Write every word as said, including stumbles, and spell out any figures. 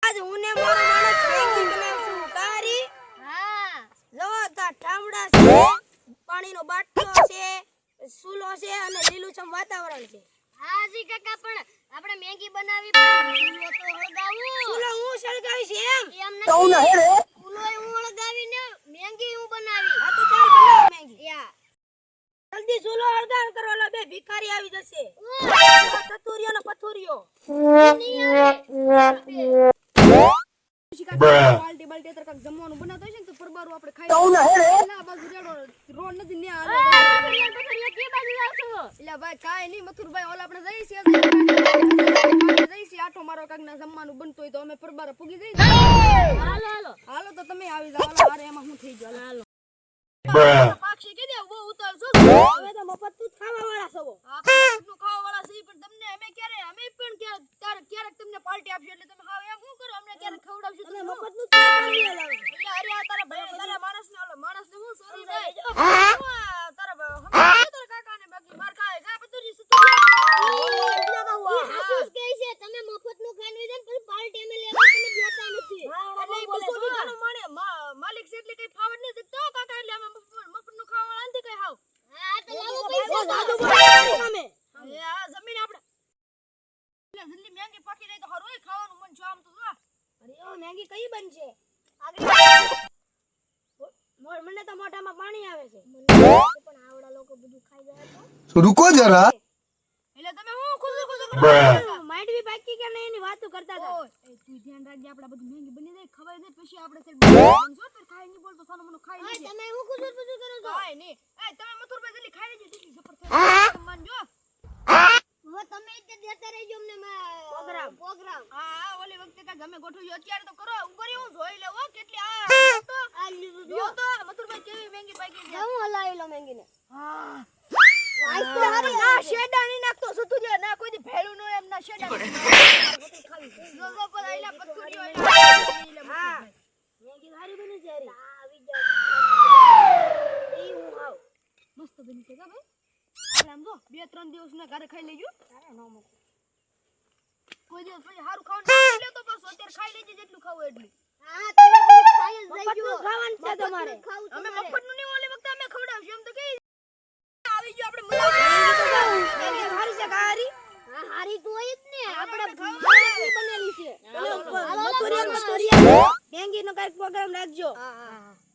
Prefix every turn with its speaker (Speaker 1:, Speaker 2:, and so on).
Speaker 1: આજ હું ને મારો માણસ મેગી બનાવશું કારી.
Speaker 2: હા
Speaker 1: જો તા ઠામડા છે, પાણીનો બાટલો છે, સૂલો છે અને લીલુંછમ વાતાવરણ છે.
Speaker 2: હા જી કાકા પણ આપણે મેગી બનાવી પણ ચૂલો તો હળગાવું.
Speaker 1: સૂલો હું સળગાવીશ એમ.
Speaker 2: એમ નથી ચૂલો હું હળગાવીને મેગી હું બનાવી.
Speaker 1: આ તો ચાલ બનાવ મેગી.
Speaker 2: યા
Speaker 1: જલ્દી સૂલો હળગાવ કરો, લા બે ભિખારી આવી જશે. ચતુરિયો ને પથુરિયો
Speaker 3: પાર્ટી બાલ્ટી તરક જમવાનું બનાવતો છે ને તો પરબારું આપણે ખાઈ ના બાજુ રેડો રોડ નથી ને આલો
Speaker 2: કે બાજુ જાવ છો?
Speaker 3: એટલે ભાઈ કાઈ નહીં મથુરભાઈ ઓલા આપણે જઈ છે જઈ છે આઠો મારો કાક ના જમવાનું બનતો હોય તો અમે પરબાર પૂગી જઈ.
Speaker 2: હાલો હાલો
Speaker 3: હાલો તો તમે આવી જાવ. હાલો મારે એમાં હું થઈ ગયો. હાલો
Speaker 1: પાક્ષી કે દે બહુ ઉતાર છો. હવે તો મફત તું ખાવા વાળા છો.
Speaker 3: આપણે નું ખાવા વાળા છે પણ તમને અમે ક્યારે અમે પણ ક્યારે ક્યારેક તમને પાર્ટી આપશે એટલે તમે હાવ એમ શું કરો અમને ક્યારે ખવડાવશો તમે
Speaker 1: મફત નું ખાવા લાવે.
Speaker 3: એટલે અરે આ તારા ભાઈ તારા માણસ ને ઓલો માણસ ને હું સોરી ભાઈ તારા તારા કાકા ને બાકી માર ખાય કા બધું રી
Speaker 2: હાસુસ કહે છે તમે મફત નું ખાઈને જાય પછી પાર્ટી અમે લેવા તમે દેતા નથી.
Speaker 3: એટલે બસો વીઘાનો માણે માલિક છે એટલે કઈ ફાવડ નહીં દેતો કાકા એટલે અમે મફત નું ખાવા વાળા નથી કઈ હાવ.
Speaker 2: હા તો લાવો પૈસા
Speaker 1: જાદુ બોલાવી સામે.
Speaker 3: એ આ જમીન આપણે એટલે જલ્દી મેંગી પાકી રહી તો હરોય ખાવાનું મન છો આમ તો જો.
Speaker 1: અરે ઓ મેગી કઈ બનશે? મોર મને તો મોઢામાં પાણી આવે છે.
Speaker 2: પણ આવડા લોકો બધું ખાઈ જાય તો
Speaker 4: रुको जरा
Speaker 3: એટલે તમે હું ખુશ ખુશ કરો
Speaker 1: માંડવી બાકી કે નહીં એની વાતો કરતા હતા.
Speaker 3: ઓય એ તું ધ્યાન રાખજે આપડા બધું મેંગી બની જાય ખવાય જાય પછી આપણે સેલ બનજો તો ખાઈ નહીં બોલતો સાનો મનો ખાઈ
Speaker 2: ઓય
Speaker 3: લેજે.
Speaker 2: તમે હું કુસુર કુસુર કરો છો?
Speaker 3: કાઈ નહીં એ તમે મથુરભાઈ જલ્દી ખાઈ લેજો જેટલી જબરદસ્ત માનજો.
Speaker 2: હું તમે ઇતે દેતા રહેજો અમને
Speaker 1: પ્રોગ્રામ.
Speaker 2: પ્રોગ્રામ
Speaker 3: હા હા ઓલી વખતે કાંઈ ગમે ગોઠવ્યું અત્યારે તો કરો ઉપર હું જોઈ લેવો કેટલી આ તો
Speaker 2: આ લીધું
Speaker 3: જો તો મથુરભાઈ કેવી મેંગી પાકી છે.
Speaker 2: હું હલાવી લો મેંગીને.
Speaker 3: હા
Speaker 2: આઈસ તો હારી
Speaker 3: ના શેડા ની નાખતો સુતું જે ના કોઈ દી ભેળું નો એમ ના શેડા ખાવી જો જો પર આઈલા પથુરી હોય
Speaker 1: હા મેગી સારી બની છે યાર.
Speaker 2: આવી જાવ
Speaker 1: ઈ હું આવ.
Speaker 3: મસ્ત બની છે કા ભાઈ આપણે આમ જો બે ત્રણ દિવસ ના ઘરે ખાઈ લેજો
Speaker 1: તારે નો મૂક.
Speaker 3: કોઈ દિવસ પછી સારું ખાવાનું લે તો બસ અત્યારે ખાઈ લેજે જેટલું ખાવું એટલું.
Speaker 2: હા તમે બધું ખાઈ જ
Speaker 1: મફત
Speaker 2: જઈજો
Speaker 1: નું ખાવાનું છે તમારે.
Speaker 2: ખાવું
Speaker 3: અમે
Speaker 2: તમારે.
Speaker 3: મફત નું નહીં ઓલી વખતે અમે ખવડાવશું એમ તો કે આવી ગયો આપણે મજા
Speaker 1: મેગી સારી છે કારી.
Speaker 2: હા હારી તો હોય જ ને આપણે
Speaker 3: ખાવું
Speaker 2: માણસની બનેલી છે.
Speaker 1: હાલો
Speaker 2: હાલો,
Speaker 1: મથુરિયા
Speaker 2: હાલો,
Speaker 1: મથુરિયા મેગી નો કઈક પ્રોગ્રામ રાખજો.
Speaker 2: હા હા